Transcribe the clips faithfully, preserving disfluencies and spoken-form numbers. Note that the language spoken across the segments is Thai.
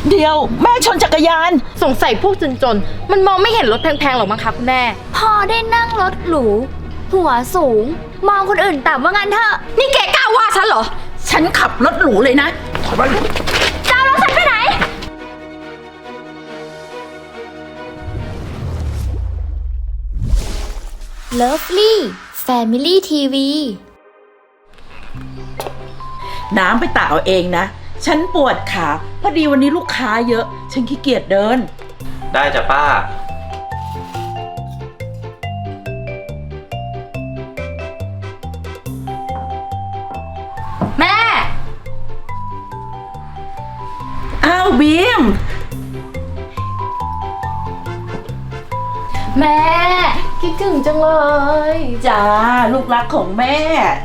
เดี๋ยวแม่ชนจักรยานสงสัยพวกจนๆมันมองไม่เห็นรถแพงๆหรอกมั้งคะคุณแม่พอได้นั่งรถหรูหัวสูงมองคนอื่นต่ำว่างั้นเถอะนี่แกกล้าว่าฉันเหรอฉันขับรถหรูเลยนะถอยไปจะเอารถฉันไปไหน Lovely Family ที วีน้ำไปตักเอาเองนะฉันปวดขาพอดีวันนี้ลูกค้าเยอะฉันขี้เกียจเดินได้จ้ะป้าแม่อ้าวบีมแม่คิดถึงจังเลยจ้าลูกรักของแม่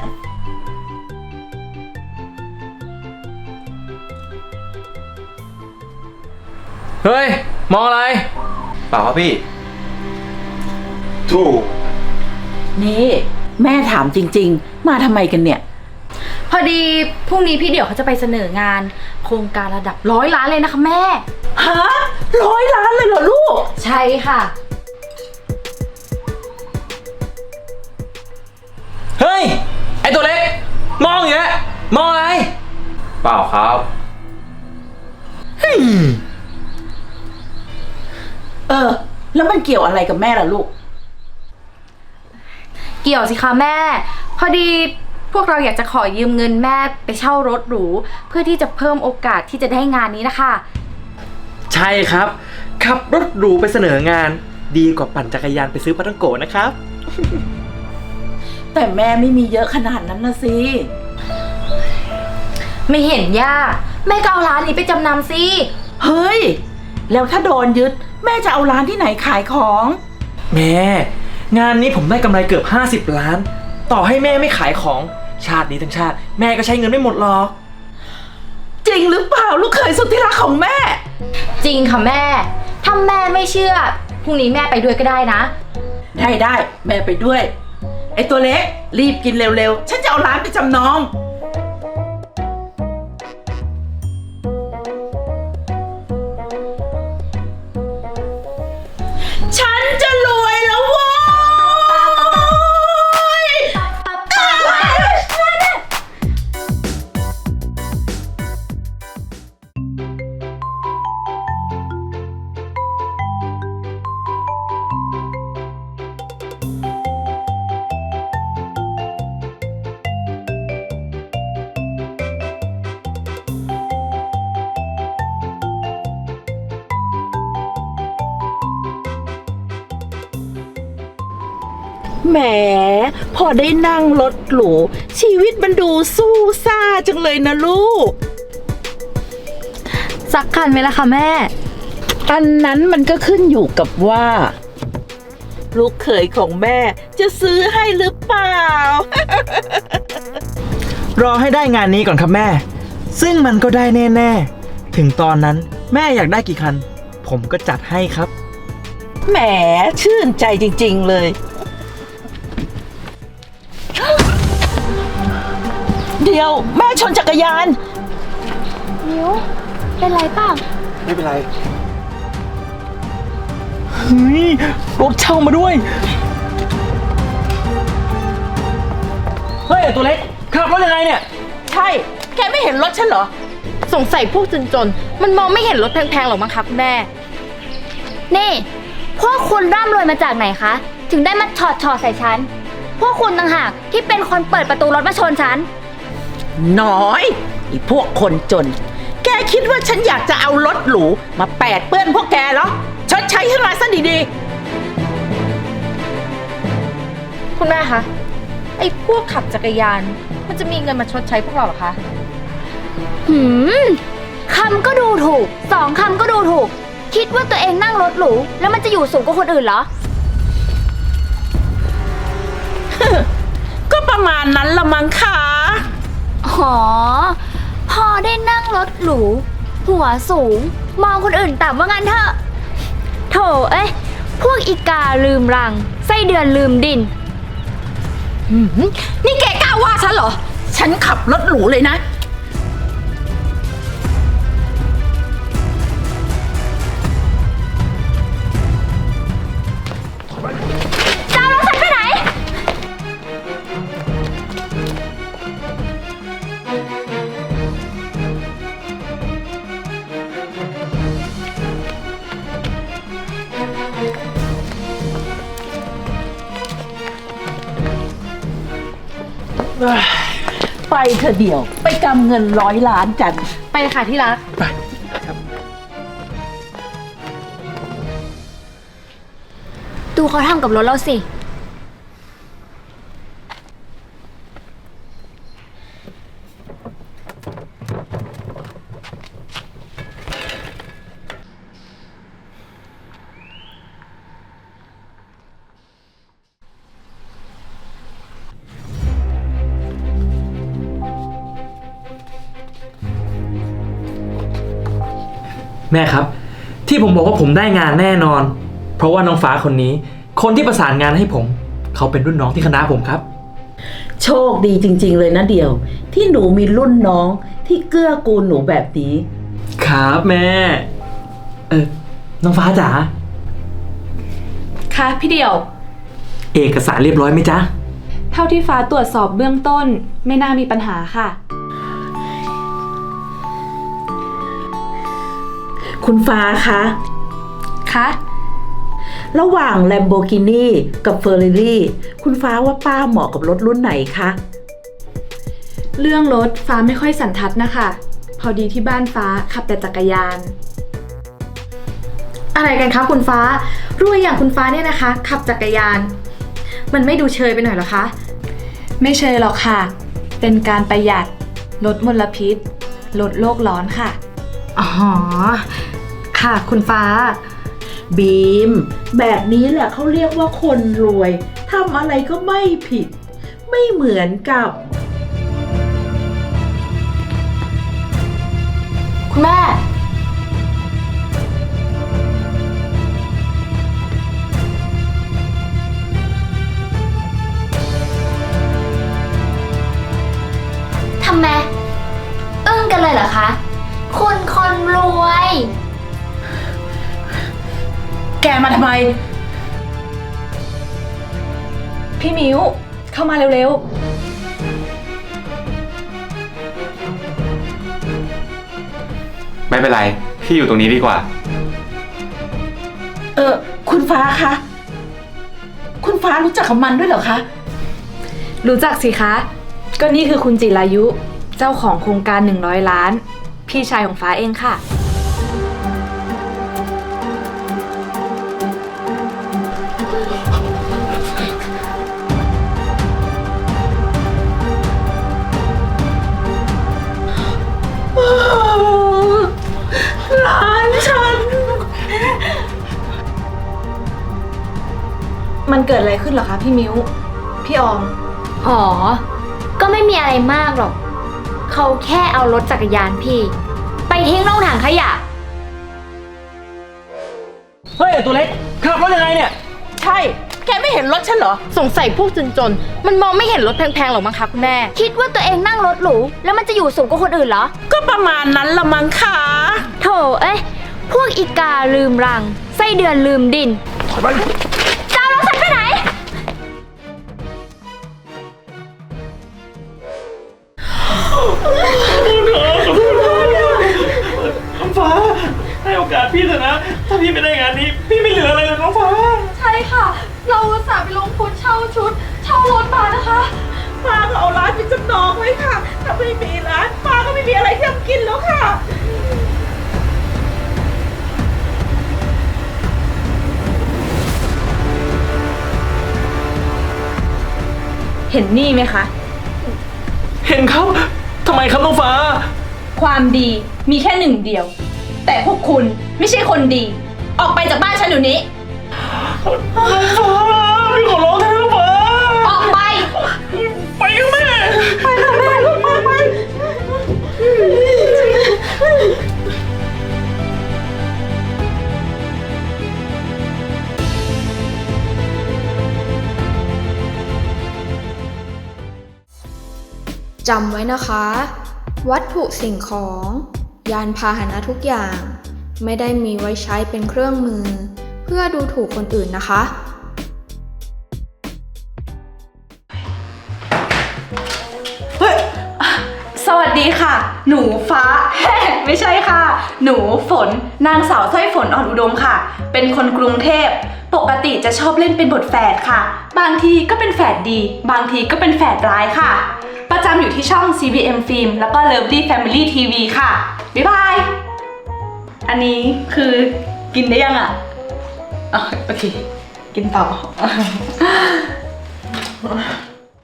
เฮ้ยมองอะไรเปล่าครับพี่ถูกนี่แม่ถามจริงๆมาทำไมกันเนี่ยพอดีพรุ่งนี้พี่เดี่ยวเขาจะไปเสนองานโครงการระดับร้อยล้านเลยนะคะแม่ฮะร้อยล้านเลยเหรอลูกใช่ค่ะเฮ้ยไอตัวเล็กมองอย่างเงี้ยมองอะไรเปล่าครับเออแล้วมันเกี่ยวอะไรกับแม่ล่ะลูกเกี่ยวสิคะแม่พอดีพวกเราอยากจะขอยืมเงินแม่ไปเช่ารถหรูเพื่อที่จะเพิ่มโอกาสที่จะได้งานนี้นะคะใช่ครับขับรถหรูไปเสนองานดีกว่าปั่นจักรยานไปซื้อปาทังโกะนะครับแต่แม่ไม่มีเยอะขนาดนั้นนะสิไม่เห็นยากแม่ก็เอาร้านนี้ไปจำนำสิเฮ้ยแล้วถ้าโดนยึดแม่จะเอาร้านที่ไหนขายของแม่งานนี้ผมได้กำไรเกือบห้าสิบล้านต่อให้แม่ไม่ขายของชาตินี้ทั้งชาติแม่ก็ใช้เงินไม่หมดหรอกจริงหรือเปล่าลูกเขยสุดที่รักของแม่จริงค่ะแม่ถ้าแม่ไม่เชื่อพรุ่งนี้แม่ไปด้วยก็ได้นะได้ได้แม่ไปด้วยไอ้ตัวเล็กรีบกินเร็วๆฉันจะเอาร้านไปจำนองฉันจะรวยแล้วโว้ยแหมพอได้นั่งรถหรูชีวิตมันดูสู้ซ่าจังเลยนะลูกสักคันไหมล่ะคะแม่อันนั้นมันก็ขึ้นอยู่กับว่าลูกเขยของแม่จะซื้อให้หรือเปล่ารอให้ได้งานนี้ก่อนครับแม่ซึ่งมันก็ได้แน่ๆถึงตอนนั้นแม่อยากได้กี่คันผมก็จัดให้ครับแหมชื่นใจจริงๆเลยเดี๋ยวแม่ชนจักรยานนิ้วเป็นไรเปล่าไม่เป็นไรเฮ้ยรถเช่ามาด้วยเฮ้ยตัวเล็กขับรถยังไงเนี่ยใช่แกไม่เห็นรถฉันเหรอสงสัยพวกจนๆมันมองไม่เห็นรถแพงๆหรอกมั้งคะคุณแม่นี่พวกคุณร่ำรวยมาจากไหนคะถึงได้มาถอดถอดใส่ฉันพวกคุณต่างหากที่เป็นคนเปิดประตูรถมาชนฉันน้อยไอ้พวกคนจนแกคิดว่าฉันอยากจะเอารถหรูมาแปดเปื้อนพวกแกเหรอชดใช้ขึ้นมาซะดีๆคุณแม่คะไอ้พวกขับจักรยานมันจะมีเงินมาชดใช้พวกเราเหรอคะหืมคำก็ดูถูกสองคำก็ดูถูกคิดว่าตัวเองนั่งรถหรูแล้วมันจะอยู่สูงกว่าคนอื่นเหรอก็ประมาณนั้นละมั้งค่ะอ๋อพอได้นั่งรถหรูหัวสูงมองคนอื่นต่ำว่างั้นเถอะโถเอ้ยพวกอีกาลืมรังไส้เดือนลืมดินนี่แกกล้าว่าฉันเหรอฉันขับรถหรูเลยนะไปเธอเดียวไปกำเงินร้อยล้านกันไปเลยค่ะที่รักไปดูเขาทำกับรถเราสิแม่ครับ ที่ผมบอกว่าผมได้งานแน่นอน เพราะว่าน้องฟ้าคนนี้ คนที่ประสานงานให้ผม เขาเป็นรุ่นน้องที่คณะผมครับโชคดีจริงๆเลยนะเดียว ที่หนูมีรุ่นน้องที่เกื้อกูลหนูแบบนี้ครับแม่ เออน้องฟ้าจ๋าค่ะพี่เดี่ยวเอกสารเรียบร้อยไหมจ๊ะเท่าที่ฟ้าตรวจสอบเบื้องต้นไม่น่ามีปัญหาค่ะคุณฟ้าคะคะระหว่าง Lamborghini กับ Ferrari คุณฟ้าว่าป้าเหมาะกับรถรุ่นไหนคะเรื่องรถฟ้าไม่ค่อยสันทัดนะคะ พอดีที่บ้านฟ้าขับแต่จักรยาน อะไรกันคะคุณฟ้ารวยอย่างคุณฟ้าเนี่ยนะคะ ขับจักรยาน มันไม่ดูเชยไปหน่อยหรอคะ ไม่เชยหรอกค่ะ เป็นการประหยัดลดมลพิษลดโลกร้อนค่ะ อ๋อ ค่ะคุณฟ้าบีม แบบนี้แหละเขาเรียกว่าคนรวยทำอะไรก็ไม่ผิด ไม่เหมือนกับคุณแม่ทำไม อึ้งกันเลยเหรอคะ คุณคนรวยแกมาทำไม พี่มิวเข้ามาเร็วๆไม่เป็นไร พี่อยู่ตรงนี้ดีกว่าเออคุณฟ้าคะ คุณฟ้ารู้จักกับมันด้วยเหรอคะรู้จักสิคะ ก็นี่คือคุณจิรายุ เจ้าของโครงการหนึ่งร้อยล้าน พี่ชายของฟ้าเองค่ะหลานฉันมันเกิดอะไรขึ้นเหรอคะพี่มิวพี่ออมอ๋อ ก็ไม่มีอะไรมากหรอก เขาแค่เอารถจักรยานพี่ ไปทิ้งลงถังขยะเฮ้ยตัวเล็กขับรถยังไงเนี่ยใช่ แกไม่เห็นรถฉันเหรอสงสัยพวกจนๆ มันมองไม่เห็นรถแพงๆหรอกมั้งคะคุณแม่คิดว่าตัวเองนั่งรถหรู แล้วมันจะอยู่สูงกว่าคนอื่นเหรอก็ประมาณนั้นละมั้งค่ะโถเอ้ย พวกอีกาลืมรัง ไส้เดือนลืมดินถอยไปจะเอารถฉันไปไหนน้องฟ้า ให้โอกาสพี่เถอะนะ ถ้าพี่ไม่ได้งานนี้ พี่ไม่เหลืออะไรเลยน้องฟ้าใช่ค่ะ เราอุตส่าห์ไปลงทุนเช่าชุด เช่ารถมานะคะป้าก็เอาร้านเป็นจำนองไว้ค่ะ ถ้าไม่มีร้านป้าก็ไม่มีอะไรที่จะกินแล้วค่ะเห็นนี่ไหมคะเห็นครับ ทำไมครับน้องฟ้าความดีมีแค่หนึ่งเดียว แต่พวกคุณไม่ใช่คนดี ออกไปจากบ้านฉันเดี๋ยวนี้น้องฟ้า พี่ขอร้องเถอะน้องฟ้าออกไปไปกับแม่ไปค่ะแม่ลูกไปไปจำไว้นะคะ วัตถุสิ่งของ ยานพาหนะทุกอย่าง ไม่ได้มีไว้ใช้เป็นเครื่องมือ เพื่อดูถูกคนอื่นนะคะสวัสดีค่ะ หนูฟ้า ไม่ใช่ค่ะ หนูฝน นางสาวสร้อยฝนอ่อนอุดมค่ะ เป็นคนกรุงเทพ ปกติจะชอบเล่นเป็นบทแฝดค่ะ บางทีก็เป็นแฝดดี บางทีก็เป็นแฝดร้ายค่ะประจำอยู่ที่ช่อง ซี บี เอ็ม Film แล้วก็ Lovely Family ที วี ค่ะ บ๊ายบาย อันนี้คือกินได้ยังอ่ะอ๋อโอเค กินต่อ